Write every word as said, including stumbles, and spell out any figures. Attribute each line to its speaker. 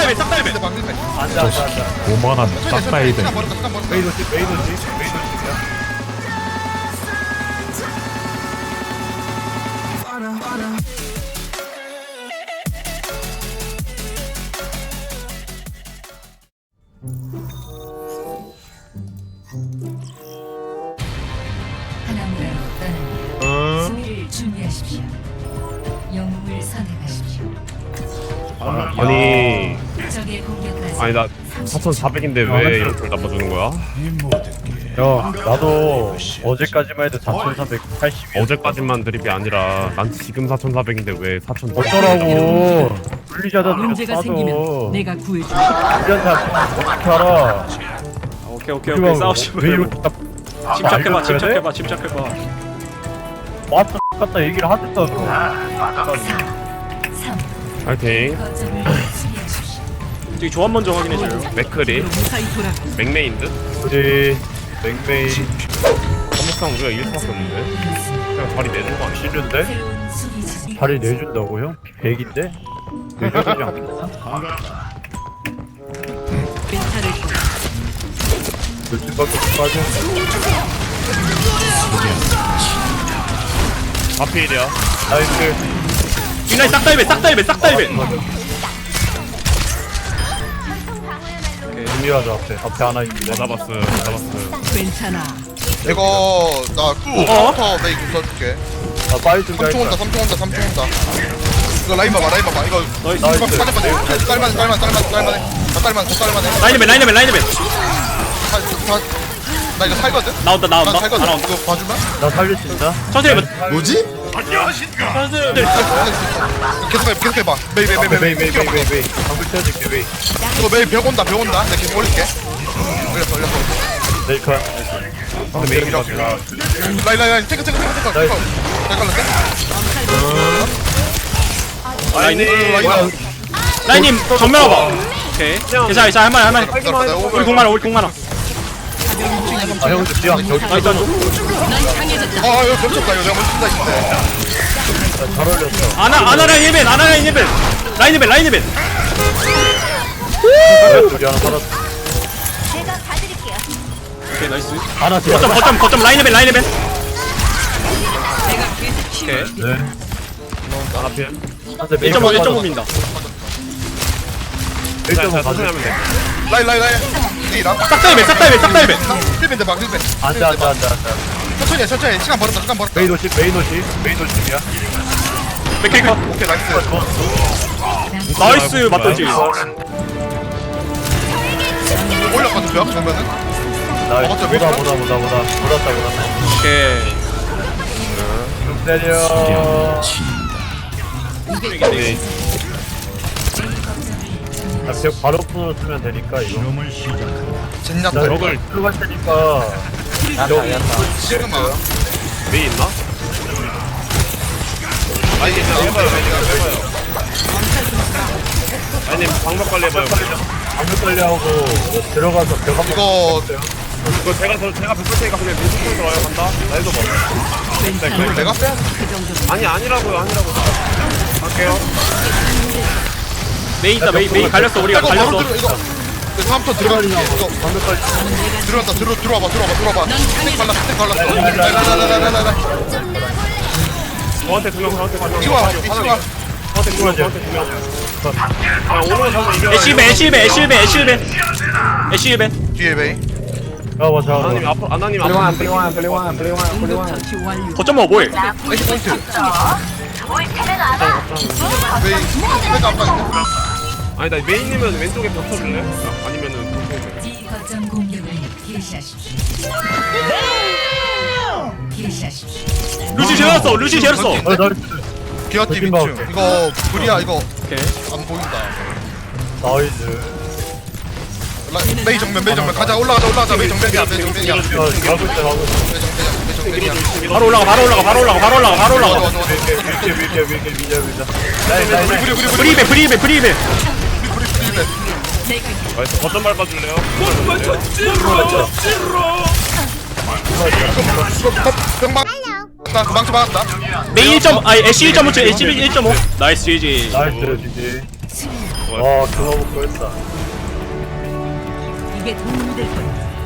Speaker 1: 싹다일배 싹다일배
Speaker 2: 안돼 안돼 안돼.
Speaker 3: 오만한 싹다이들.
Speaker 2: 메이도시 메이도시 메이도시야.
Speaker 4: 하나무라로 떠납니다. 수비를 준비하십시오. 영웅을 선택하십시오.
Speaker 5: 아니
Speaker 4: 적의 공격까지
Speaker 5: 아니 나 사천사백인데 왜 이렇게 나빠주는 거야?
Speaker 2: 야 나도 어제까지만 해도 사천삼백팔십.
Speaker 5: 어제까지만 드립이 아니라 난 지금 사천사백인데 왜 사천사백?
Speaker 2: 어쩌라고. 분리자다
Speaker 4: 문제가 생기면 내가 구해줄
Speaker 2: 분리자다 어떻게 알아.
Speaker 1: 오케이 오케이 오케이 싸우지
Speaker 2: 왜
Speaker 1: 말고
Speaker 2: 이렇게 딱
Speaker 1: 침착해봐 침착해봐 침착해봐
Speaker 2: 왔다 갔다 얘기를 하겠다 너.
Speaker 4: 삼.
Speaker 5: 파이팅.
Speaker 4: 거점을 수비하십시오.
Speaker 1: 저기 조합 먼저 확인해줘요
Speaker 5: 맥크리
Speaker 4: 무사히 돌아.
Speaker 5: 맥메인 듯?
Speaker 2: 우리 맥메이
Speaker 5: 한목상 우리가 이길 수밖에 없는데 그냥 자리 내준 거 아니야?
Speaker 2: 싫은데?
Speaker 4: 새로운 수비 지점.
Speaker 2: 자리 내준다고요? 백인데? 내주지 않겠나?
Speaker 4: 멘탈을
Speaker 2: 며칠밖에 못 빠져.
Speaker 5: 하필이야.
Speaker 2: 나이스.
Speaker 1: 빅라인 싹다일배 싹다일배 싹다일배
Speaker 2: 준비하자 앞에. 앞에 하나 있는데.
Speaker 5: 뭐 잡았어요 잡았어요.
Speaker 4: 괜찮아.
Speaker 6: 이거 나 쿠부터 메이 좀 써줄게.
Speaker 2: 아 빨리 준비.
Speaker 6: 삼 초 온다 삼 초 온다 삼 초 온다. 이거 라인 봐봐 라인 봐봐 이거
Speaker 1: 나이스.
Speaker 6: 이거 빠져 빠져 쌀만 쌀만 쌀만 쌀만해 다 쌀만 다 쌀만해.
Speaker 1: 라인맨 라인맨 라인맨
Speaker 6: 나 이거 살거든.
Speaker 1: 나온다
Speaker 6: 나
Speaker 1: 나온다
Speaker 6: 살거든.
Speaker 1: 아 나온다
Speaker 6: 이거 봐주면.
Speaker 2: 나 살릴 수 있나?
Speaker 1: 천천히 해봐
Speaker 6: 뭐지?
Speaker 1: 천천히
Speaker 6: 계속 해 계속 해봐. 메이 메이 메이 메이 메이
Speaker 2: 메이 메이 메이. 방금 쳐줄게 메이.
Speaker 6: 이거 메이 벽 온다 벽 온다. 내가 계속 올릴게. 올렸어 올렸어.
Speaker 2: 메이커.
Speaker 6: 근데 메이랑 라인 라인 라인 체크 체크 체크 체크.
Speaker 2: 나이스.
Speaker 6: 잘 걸렸어?
Speaker 1: 라인님 라인님 정면 와봐 오케이 괜찮아 괜찮아 할만해 할만해 우리 공 많아 우리 공 많아
Speaker 2: 아 형들 뒤에 한 저기.
Speaker 1: 나이스 한조
Speaker 6: 아 이거 겹쳤다 이거 내가 먼저 쓴다 했는데.
Speaker 2: 잘 어울렸어.
Speaker 1: 아나 아나 라인 힐벤 아나 라인 힐벤 라인 힐벤 라인 힐벤
Speaker 2: 둘이 하나 살았어.
Speaker 1: 오케이 나이스
Speaker 2: 하나 뒤에.
Speaker 1: 거점 거점 거점 라인 힐벤 라인 힐벤 오케이
Speaker 2: 네.
Speaker 5: 하나 필.
Speaker 1: 일 점 오 일 점 오 민다
Speaker 2: 일 점 오
Speaker 5: 자
Speaker 2: 가져.
Speaker 5: 천천히 하면 돼.
Speaker 6: 라인 라인 라인. 이랑
Speaker 1: 싹다일배 싹다일배 싹다일배
Speaker 6: 힐벤 대박 힐벤.
Speaker 2: 안돼 안돼 안돼 안돼.
Speaker 6: 천천히 해 천천히 시간 벌었다 시간 벌었다.
Speaker 2: 메인 오시 메인 오시 메인 오시야.
Speaker 1: 맥케이커
Speaker 6: 오케이 나이스.
Speaker 1: 나이스 맞던지
Speaker 6: 올렸거든 벽 정면은.
Speaker 2: 나
Speaker 6: 먹었죠,
Speaker 2: 보다
Speaker 6: 메이커?
Speaker 2: 보다 보다 보다 보다 보다.
Speaker 1: 오케이
Speaker 2: 좀 때려.
Speaker 5: 네.
Speaker 2: 나벽 바로 풀어주면 되니까 이거.
Speaker 6: 젠냐
Speaker 2: 나
Speaker 6: 때.
Speaker 5: 벽을
Speaker 2: 들어갈 테니까.
Speaker 6: 지금 아.
Speaker 5: 메이 있나? 아니 그냥 해봐요 해봐요. 아니 방법 관리 해봐요.
Speaker 2: 방금 관리하고 들어가서 벽 한번.
Speaker 6: 이거
Speaker 5: 이거 제가 저 제가 벽볼 테니까 그냥 왼쪽 들어와요 간다. 나 해도 봐.
Speaker 6: 이걸 내가 빼야 돼.
Speaker 5: 아니 아니라고요 아니라고. 갈게요.
Speaker 1: 메이 있다 메이 메이 갈렸어 우리가
Speaker 6: 이거 바로
Speaker 1: 갈렸어
Speaker 6: 들어 이거. 이거 다음부터 들어갈게. 이거
Speaker 2: 방금 관리.
Speaker 6: 들어왔다 들어 들어와봐 들어와봐 들어와봐. 스택 발랐어 스택 발랐어. 라라라라라라라.
Speaker 5: 저한테 두명 저한테 두명.
Speaker 6: 이거 와 이거 와.
Speaker 5: 저한테 두명 저한테 두 명. 야 오늘 가서 이겨.
Speaker 1: 애쉬벤 애쉬벤 애쉬벤 애쉬벤 애쉬벤
Speaker 6: 뒤에 메이.
Speaker 2: 잡아 잡아.
Speaker 5: 아나님 앞으로 아나님 앞으로.
Speaker 1: 거점 먹어 뭐해
Speaker 6: 에이 포인트. 메이 메이 아빠 있네.
Speaker 5: 아니 나 메인이면 왼쪽에 벽 쳐줄래? 아니면은 왼쪽에.
Speaker 4: 이 거점 공격을 개시하십시오. 개시하십시오.
Speaker 1: 루시 재웠어 루시 재웠어
Speaker 2: 어 나.
Speaker 6: 기아팀
Speaker 2: 거짓말
Speaker 6: 이 층. 이거 불이야 이거
Speaker 1: 오케이
Speaker 6: 안 보인다.
Speaker 2: 나이스.
Speaker 6: 라- 메이 정면 메이 정면 가자 올라가자 올라가자 메이 정면이야 메이 정면이야 메이
Speaker 2: 야 가고 있어 가고 있어.
Speaker 6: 정면이야 메이 정면이야.
Speaker 1: 바로 올라가 바로 올라가 바로 올라가 바로 올라가 바로
Speaker 6: 좋아
Speaker 1: 올라가
Speaker 6: 좋아 좋아.
Speaker 2: 밀게 밀게 밀게 밀게 밀게. 나이 나이 나이.
Speaker 6: 우리 우리 우리
Speaker 1: 프리벤 프리벤 프리벤
Speaker 6: 우리 우리
Speaker 5: 나이스 거점 밟아줄래요?
Speaker 6: 병망 나 망치 맞았다.
Speaker 1: 메이 일 점 아니 애쉬 일 점 오 쳐 애쉬 일 점 오 나이스 지지
Speaker 2: 나이스 지지.
Speaker 5: 좋아요.
Speaker 2: 와 그거 먹고 했다.
Speaker 4: 이게 도움이 될 거야.